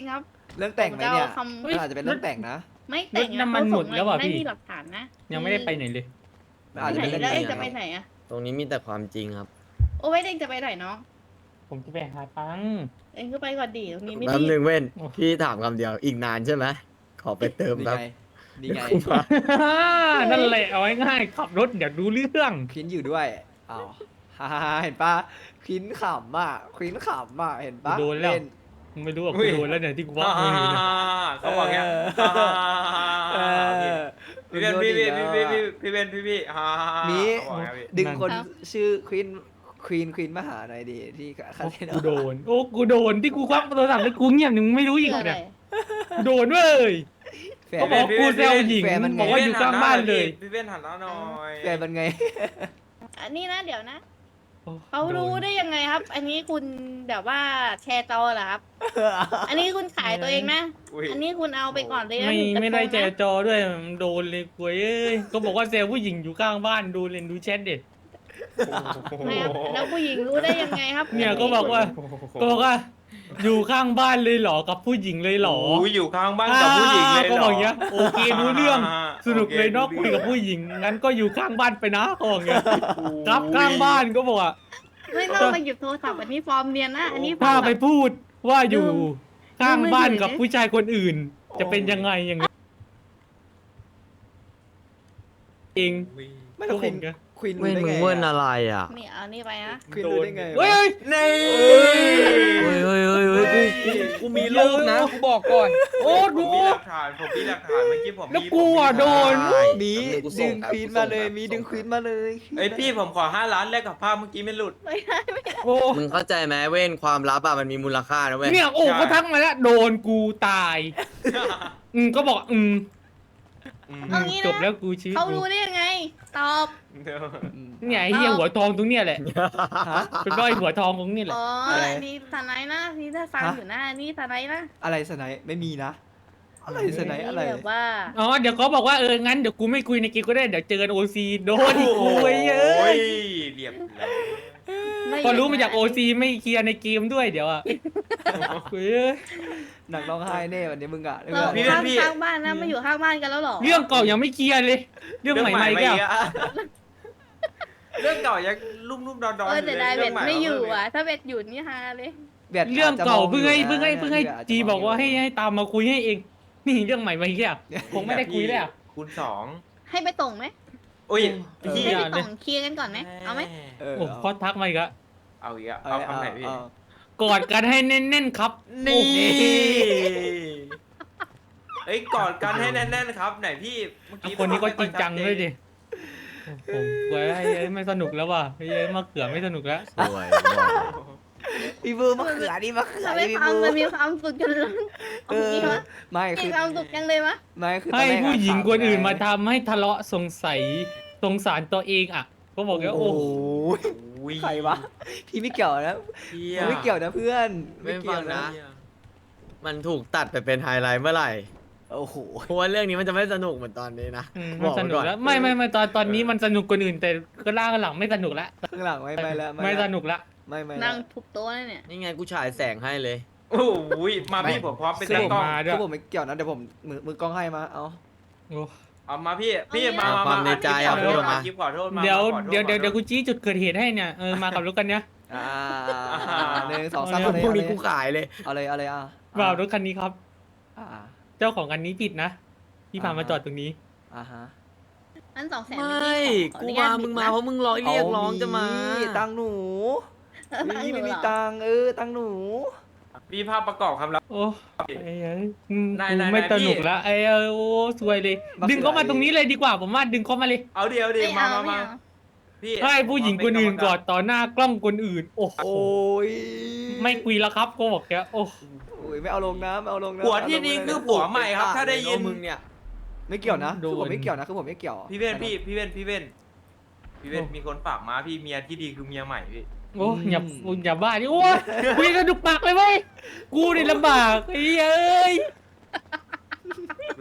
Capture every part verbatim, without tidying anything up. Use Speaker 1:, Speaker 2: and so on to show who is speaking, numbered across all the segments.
Speaker 1: ครับ
Speaker 2: เรื่องแต่งไหมเนี่ย
Speaker 1: ผมจะเอาคำ
Speaker 2: มันอาจจะเป็นเรื่องแต่งนะ
Speaker 1: ไม่แต่ง
Speaker 3: รถน้ำมันหมดแล้วว่ะ
Speaker 1: ไม่
Speaker 3: พี่
Speaker 1: มีหลักฐานนะ
Speaker 3: ยังไม่ได้ไปไหนเลย
Speaker 2: มันอาจจะเป็นเรื่อง
Speaker 1: แล้ว
Speaker 2: แต่
Speaker 1: เอง
Speaker 2: ง
Speaker 1: จะไปไหนอะ
Speaker 4: ตรงนี้มีแต่ความจริงครับ
Speaker 1: โอ้ไว้เองจะไปไหนน้อง
Speaker 3: ผมจะไปหาตังค์
Speaker 1: เองก็ไปก่อนดีตรงนี้ไม่
Speaker 4: แป๊บ
Speaker 1: ดี
Speaker 4: นึงเว้นพี่ถามคำเดียวอีกนานใช่ไหมขอไปเติม
Speaker 2: นี่
Speaker 4: ครับ
Speaker 2: ไงนี่ไง
Speaker 3: นั่นแหละเอาง่ายๆขับรถเดี๋ยวดูเรื่อง
Speaker 2: ควินอยู่ด้วยอ้าวฮ่าๆเห็นปะควินขำอ่ะควินขำอ่ะเห็นปะ
Speaker 3: โดนแล้ว
Speaker 2: เล่
Speaker 3: ไม่รู้ว่ากูโดนแล้วเนี่ยที่กูว่ามืออยู่เนี่ย
Speaker 5: เขาบอกอย่าง
Speaker 2: เออ
Speaker 5: พี่เป็นพี่พี่พี่พี่พี่เป็นพี่พี่ฮ่า
Speaker 2: มี
Speaker 5: เขาบอกอย่างพี่
Speaker 2: ดึงคนชื่อควินควีนควีนมาหาหน่อยดีที่คา
Speaker 3: โอ้
Speaker 2: เทน
Speaker 3: กูโดน โอ้กูโดนที่กูควักโทรศัพท์แล้วกูเงียบหนึ่งไม่รู้อีก
Speaker 1: คืออะไร
Speaker 3: เนี่ยกูโดนเว้ย
Speaker 2: แฟ
Speaker 3: เขา
Speaker 2: น
Speaker 3: บอกกูแซวหญิง
Speaker 2: แฟนมันไง
Speaker 3: บอกว่าอยู่ข้างบ้านเลย
Speaker 5: พี่เป็นหันหน้าหน่อย
Speaker 2: แฟนมันไง
Speaker 1: อันนี้นะเดี๋ยวนะ
Speaker 3: โอ้
Speaker 1: เขารู้
Speaker 3: โน
Speaker 1: ได้ยังไงครับ อันนี้คุณแบบว่าแชร์จอเหรอครับ อันนี้คุณขายตัวเองนะ
Speaker 5: อุ้ย
Speaker 1: อันนี้คุณเอาไปก่อนเลยนะ
Speaker 3: ไม่
Speaker 1: หนึ่งกระทง
Speaker 3: ไม่ได้แจ
Speaker 1: นะ
Speaker 3: จอด้วยมันโดนเลยกูเอ้ยก็บอกว่าเซลล์ผู้หญิงอยู่ข้างบ้านดูเล่นดูแชทเด็ด
Speaker 1: ไม่ครับแล้วผู้หญิงรู้ได้ยังไงครับ
Speaker 3: เนี่ยก็บอกว่า ก็บอกว่า อยู่ข้างบ้านเลยเหรอกับผู้หญิงเลยเหรอ
Speaker 5: โอ้ยอยู่ข้างบ้านกับผู้หญิงเลยเหรอ
Speaker 3: ก็บอกอย่างเงี้ยโอเครู้เรื่องสนุกเลยเนาะ
Speaker 5: โอ
Speaker 3: คุยกับผู้หญิงงั้นก็อยู่ข้างบ้านไปนะเขาบอกอย่างเงี้ย
Speaker 5: โอ้ย
Speaker 3: ครับข้างบ้านก็บอกว่า
Speaker 1: ไม่ต้องมาหยิบโทรศัพท์อันนี้ฟอร์มเนียนนะ อันนี้ฟอ
Speaker 3: ถ้า
Speaker 1: ร์ม
Speaker 3: ไป
Speaker 1: แบบ
Speaker 3: พูดว่าอยู่
Speaker 1: ลืม
Speaker 3: ข้างบ้าน
Speaker 1: ลืมมือถือ
Speaker 3: กับผู้ชายคนอื่น จะเป็นยังไงอย่างเงี้ยเอง
Speaker 2: ไม่ต้องควีนควีน
Speaker 4: เว้น
Speaker 2: ได้
Speaker 4: มึ
Speaker 2: ไง
Speaker 4: งเว้น
Speaker 2: อะ
Speaker 4: อะไรอ่ะ
Speaker 1: นี่เอานี่ไปนะ
Speaker 2: ควีนรู้ได้ไงวะ
Speaker 3: เฮ้ย
Speaker 5: นี่
Speaker 4: เฮ้ยเฮ้ยเฮ้ยเฮ้ยกูกูกูมีรูปนะกูบอกก่อน
Speaker 3: โอ้
Speaker 5: ผ
Speaker 3: ดู
Speaker 5: มมีหลักฐานผมมีหลักฐานเมื่อกี้ผม
Speaker 3: แล้ว
Speaker 5: มี
Speaker 3: กูอ่ะ
Speaker 5: ผมมี
Speaker 3: โดน
Speaker 2: มี
Speaker 4: แป๊บนึงกูส่
Speaker 2: ดึ
Speaker 4: ง
Speaker 2: ง
Speaker 4: ครับ
Speaker 2: ควีน
Speaker 4: กูส่ง
Speaker 2: มาเลย
Speaker 4: ครับ
Speaker 2: มี
Speaker 4: กูส่ง
Speaker 2: ดึงควีนมาเลย
Speaker 5: เอ้ยพี่ผมขอห้าล้านแลกกับภาพเมื่อกี้ไม่หลุด
Speaker 1: ไม่ได้ไม่ได้
Speaker 3: โอ้
Speaker 4: มึงเข้าใจไหมเว้นความลับอ่ะมันมีมูลค่านะเว้ย
Speaker 3: เนี่ยโอ้
Speaker 5: ใช่
Speaker 3: เขาทักมาแล้วโดนกูตายอืมก็บอกอืม
Speaker 1: เอางี้
Speaker 3: จ
Speaker 1: นะ
Speaker 3: บแล้วกูชีวิต
Speaker 1: เขา
Speaker 3: กู
Speaker 1: รู้ได้ยังไง ตอบ
Speaker 2: อืม
Speaker 3: เนี่ยไอ้เหี้ยหัวทองตรงเนี้ยแหละ
Speaker 2: ฮะ
Speaker 3: เป็นร้อยหัวทองตรงนี้แหละ
Speaker 1: อ๋อ
Speaker 2: อะไร
Speaker 1: อันนี้สไนด์นะนี่ถ้าฟัง
Speaker 2: ฮะ
Speaker 1: อยู่นะอันนี่สไนด์นะ
Speaker 2: อะไรสไนป์ไม่มีนะ อะไรสไนป์อะไร
Speaker 1: นี่แบบว่า
Speaker 3: อ๋อเดี๋ยวเขาบอกว่าเอองั้นเดี๋ยวกูไม่คุยในเกมก็ได้เดี๋ยวเจอกันโอซีโดนอีกกูไอ้เอ้
Speaker 5: โอ้
Speaker 3: ย
Speaker 5: ยเรียบร้อย
Speaker 1: ไม่
Speaker 3: พอรู้มาจากโอซีไม่เคลียร์ในเกมด้วยเดี๋ยวอ่ะเฮ้ย
Speaker 2: หนักร้องไห้แน่วันนี้มึงอะ
Speaker 1: เราข้างข้างบ้านนะมาอยู่ข้างบ้านกันแล้วเหรอ
Speaker 3: เรื่องเก่ายังไม่เคลียร์เลย เรื่องใหม่ๆก็
Speaker 5: อะเรื่องเก่ายังลุ่มลุ่มๆดอนดอน
Speaker 1: เออแต่ได้เบ็ดไม่อยู่
Speaker 5: อ่ะ
Speaker 1: อ่ะ ถ้าเบ็ดอยู่นี่ฮาเลย
Speaker 2: แบบ
Speaker 3: เรื่องเก่า
Speaker 2: จจะม
Speaker 3: เพิ่งให้
Speaker 2: ยู่นะ
Speaker 3: เพิ่งให้เพิ่งให้
Speaker 2: แบบ
Speaker 3: จี
Speaker 2: จจะม
Speaker 3: บอกว่าให้
Speaker 2: ยู่
Speaker 3: ให้ตามมาคุยให้เอง นี่เรื่องใหม่มาอีกแล้วคงไม่ได้คุยแล้ว
Speaker 5: คูณสอง
Speaker 1: ให้ไปส่งไหม
Speaker 5: อุ้ยพี่
Speaker 1: ให้
Speaker 3: อ
Speaker 1: ไป
Speaker 3: ย่าเลย
Speaker 1: ส่งเคลียร์กันก่อนไหมเอาไหม
Speaker 2: เออ
Speaker 3: โอ้พอทักมาอีกแล้ว
Speaker 5: เอาอีกอะ
Speaker 2: เอา
Speaker 5: เอา
Speaker 2: เอา
Speaker 5: คำไหนพี่
Speaker 2: เอา
Speaker 3: กอดกันให้แน่นๆครับ
Speaker 5: นี่
Speaker 3: โอ้โห
Speaker 5: เอ้ยกอดกันให้แน่นๆครับ ไหนพี่เมื่อกี้
Speaker 3: คนนี้ก็จริงจัง
Speaker 5: ภาพ
Speaker 3: ด้วยดิโอ้โหเว้ยไอ้เอ้ยไม่สนุกแล้วว่ะไอ้เอ้ยมะเขือไม่สนุกแล้ว
Speaker 4: สวยบอกเลย
Speaker 2: พี่บูมะเขือนี่มะเขือ
Speaker 1: ทำไม
Speaker 2: นี่พี่
Speaker 1: ฟัง
Speaker 2: บู
Speaker 1: มันมีความสุขจนลืม
Speaker 2: เออ
Speaker 1: มีวะ
Speaker 2: ไม่
Speaker 1: มี
Speaker 2: คือ
Speaker 1: ความสุขจังเลยวะ
Speaker 2: ไม่คือตอน
Speaker 3: ให้
Speaker 2: แรกอะ
Speaker 3: ผู้หญิงคนอื่นมา
Speaker 2: ถ
Speaker 3: ทำให้ทะเลาะสงสัยสงสารตัวเองอ่ะก็บอกว่า
Speaker 2: โอ้
Speaker 3: โอ้
Speaker 2: โห
Speaker 5: โอ้ย
Speaker 2: ใครวะพี่ไม่เกี่ยวนะ
Speaker 5: เหี้ย
Speaker 2: ไม่เกี่ยวนะเพื่อน
Speaker 4: ไม่
Speaker 2: เกี่
Speaker 4: ฟั
Speaker 2: ยว
Speaker 4: งนะ มันถูกตัดไปเป็นไฮไลท์เมื่อไหร่
Speaker 2: โอ้โห
Speaker 4: เพราะว่าเรื่องนี้มันจะไม่สนุกเหมือนตอนนี้นะ
Speaker 3: อืม
Speaker 4: บ
Speaker 3: มัน
Speaker 4: อก
Speaker 3: ส
Speaker 4: ไว้
Speaker 3: นุก
Speaker 4: ก่อน
Speaker 3: แล้วไม่ไม่ไม่ตอนตอนนี้มันสนุกกว่าอื่นแต่ก็ล่างกันหลังไม่สนุกแล้ว
Speaker 2: ข้างหลังไม่ไม่แล้ว
Speaker 3: ไม่
Speaker 2: แล้ว
Speaker 3: สนุกละ
Speaker 2: ไม่ไม่
Speaker 1: นั่งทุบโต๊ะเนี่ย
Speaker 4: นี่ไงกูฉายแสงให้เลย
Speaker 5: โอ้ยมาพี่ผมพร้อมเป็น
Speaker 3: เส
Speaker 5: ตาก กล้อง
Speaker 3: มาด้ว
Speaker 2: คื
Speaker 3: ย
Speaker 2: อผมไม่เกี่ยวนะเดี๋ยวผมมือมือกล้องให้มาเอา
Speaker 3: โอ้
Speaker 5: เอามาพี่พี่
Speaker 1: เอา
Speaker 5: มา
Speaker 1: เนี่ย
Speaker 5: มา
Speaker 4: ความในใจ
Speaker 5: ขอ
Speaker 4: เอา
Speaker 5: โท
Speaker 4: พูด
Speaker 5: ษ
Speaker 4: ออก
Speaker 5: มา
Speaker 4: มา
Speaker 5: คลิปขอโทษมา
Speaker 3: เดี๋ยว
Speaker 5: ขอโทษ
Speaker 3: เดี๋ยวเดี๋ยว
Speaker 5: ขอโทษ
Speaker 3: เดี๋ยวกูชี้จุดเกิดเหตุให้เนี่ยเออมากับรถกันเนี้ย
Speaker 2: อ่าหนึ่งสองสาม
Speaker 3: เอา
Speaker 2: เอาเลย
Speaker 4: พวก
Speaker 2: เอาเล
Speaker 4: นี้
Speaker 2: ย
Speaker 4: กูขายเลย
Speaker 2: เอาเลยเอาเลยอ่ะ
Speaker 3: ว่ารถคันนี้ครับ
Speaker 2: อ่า
Speaker 3: เจ้าของคันนี้ผิดนะที่พามาจอดตรงนี้
Speaker 2: อ่าฮะ
Speaker 1: นั่นสองแสน
Speaker 4: ไม่ กูมา มึงมาเพราะมึงร้อยเรียกร้องจะมา
Speaker 2: ตังหนูนี่ไม่มีตังเออตังหนู
Speaker 5: พี่ภาพประกอบคำรับ
Speaker 3: โอ้ไอ้เอ้ยอืม
Speaker 5: นาย
Speaker 3: กู
Speaker 5: นาย
Speaker 3: ไม่
Speaker 5: นาย
Speaker 3: ส
Speaker 5: พี่
Speaker 3: นุกแล้วไอ้เออโอ้สวยเลย ดึงเข้ามาตรงนี้เลยดีกว่าผมว่าดึงเข้ามาเลย
Speaker 5: เอาเดี๋ยวเดี๋ยว
Speaker 1: ไม่
Speaker 5: มา
Speaker 1: เอา
Speaker 5: มา
Speaker 1: ไม่
Speaker 5: มา
Speaker 1: เอา
Speaker 5: พี่
Speaker 3: ให้ผู้หญิงคนอื่นกอดต่อหน้ากล้องคนอื่น โอ้โห
Speaker 2: โอ้ย
Speaker 3: ไม่คุยแล้วครับก็บอกแกโอ้
Speaker 2: โอ้ยไม่เอาลงนะไม่เอาลงนะ
Speaker 5: ผัวที่นี่คือผัวใหม่ครับ ถ้าได้ยิน
Speaker 4: มึงเนี่ย
Speaker 2: ไม่เกี่ยวนะคือผมไม่เกี่ยวนะคือผมไม่เกี่ยว
Speaker 5: พี่เว้นพี่พี่เว้นพี่เว้นพี่เว้นมีคนฝากมาพี่เมียที่ดีคือเมียใหม่พี่
Speaker 3: โอ้อย่าอย่าบ้าดิโอ้ยคุยกระดุกปากเลยเว้ยกูนี่ลำบากไอ้เอ้ย
Speaker 5: ดู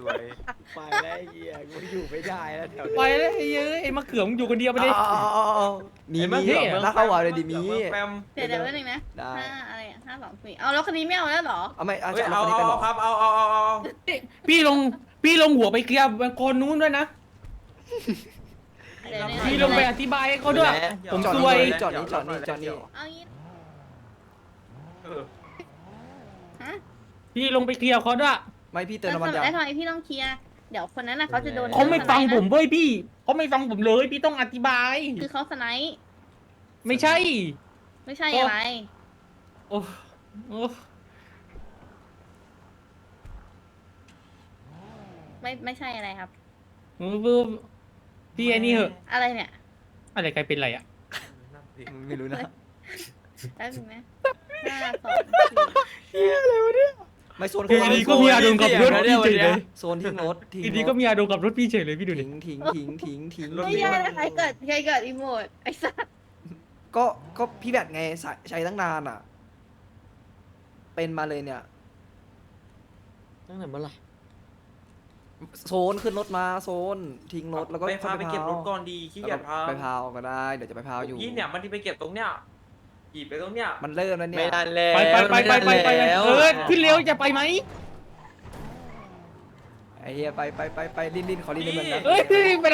Speaker 5: วย
Speaker 2: ไปแล้วไอ้เหี้ยกูอยู่ไม่ได้แล้วแถว
Speaker 3: ไปเลยไอ้เอ้ยไอ้มะเขือมึงอยู่คนเดียวไปดิ
Speaker 2: มี
Speaker 5: ไอ้
Speaker 2: มี
Speaker 5: มะเขือ
Speaker 2: ถ้าเข้าvàoเลยดิมี
Speaker 5: เขือเมืองแปม
Speaker 1: เดี๋ยวเดี๋ยวแป๊บนึงนะ
Speaker 2: ได้
Speaker 1: ห้าอะไรอ่ะห้าสองสี่เอาแล้วคนนี้ไม่เอาแล้วเหรอ
Speaker 2: เอาไม่เอา
Speaker 5: เฮ้ย
Speaker 2: จะ
Speaker 5: เอา
Speaker 2: เอาคนนี้
Speaker 5: เอา
Speaker 2: ไปหรอ
Speaker 5: ครับเอาเอาเอาเอาเอา
Speaker 3: พี่ลงพี่ลงหัวไปเคลียร์คนนู้นด้วยนะ
Speaker 1: เดี๋ยวเนี่ย
Speaker 3: พี่ลงไปอธิบายให้เขาด้วย ผม
Speaker 2: จอด
Speaker 3: ซ
Speaker 2: นี่
Speaker 3: วย
Speaker 2: จอดนี่จอดนี่จอดนี่
Speaker 1: เอางี้
Speaker 5: เออ
Speaker 1: ฮะ
Speaker 3: พี่ลงไปเคลียร์เขาด้วย
Speaker 2: ไม่พี่เติม
Speaker 1: แล้ว
Speaker 2: น้ำมัน
Speaker 1: ทำ
Speaker 2: ยาง
Speaker 1: ไอ้ทำไมพี่ต้องเคลียร์เดี๋ยวคนนั้นน่ะเขาจะโดน
Speaker 3: เขาไม่ฟังผม
Speaker 1: นะ
Speaker 3: เว้ยพี่เขาไม่ฟังผมเลยพี่ต้องอธิบาย
Speaker 1: คือเขาสไนป์
Speaker 3: ไม่ใช่
Speaker 1: ไม่ใช่อะไร
Speaker 3: โอ้โอ้
Speaker 1: ไม่ไม่ใช่อะไรครับ
Speaker 3: โอ้พี่ไอ้นี่เหอะ
Speaker 1: อะไรเนี่ย
Speaker 3: อะไรใครเป็นไรอ่ะ
Speaker 2: ไม่รู้นะ
Speaker 1: แป๊บนึงนะห้าสองสี่
Speaker 2: ไม่โซน
Speaker 3: ทีนี้ก็มีอารมณ์กับรถพี่เฉยเลย
Speaker 2: โซนทิ้งรถทิ้ง
Speaker 3: ทีนี้ก็มีอารมณ์กับรถพี่เฉยเลยพี่ดูดิ
Speaker 2: ทิ้งทิ้งทิ้งทิ้งทิ้ง
Speaker 1: ไม่ใช่นะใครเกิดใครเกิดอีโมดไอ้สัส
Speaker 2: ก็ก็พี่แบตไงใช้ใช้ตั้งนานอ่ะ เป็นมาเลยเนี่ย
Speaker 4: ตั้งแต่เมื่อไหร่
Speaker 2: โซนขึ้นรถมาโซนทิ้งรถแล้วก็
Speaker 5: ไปพาไปเก็บรถก่อนดีขี้
Speaker 2: แล้ว
Speaker 5: เกีย
Speaker 2: ก็
Speaker 5: จพา
Speaker 2: ไปพาวก็ได้เดี๋ยวจะไปพาวอยู่
Speaker 5: ยี่เนี่ยมันที่ไปเก็บตรงเนี้ยขี่ไปตรงเนี้ย
Speaker 2: มันเริ่มแล้วเนี่
Speaker 4: ไม่
Speaker 2: ย
Speaker 4: ทันแล้ว
Speaker 3: ไปไปไปไปไปไป
Speaker 4: ม่ทันแล้ว
Speaker 3: เออขึ้นเร็วจะไปไหม
Speaker 2: ไอ้เฮียไปไปไปไปลิ้นลิ้นขอลิ้นลิ้นมันนะ
Speaker 3: เอ้ยไป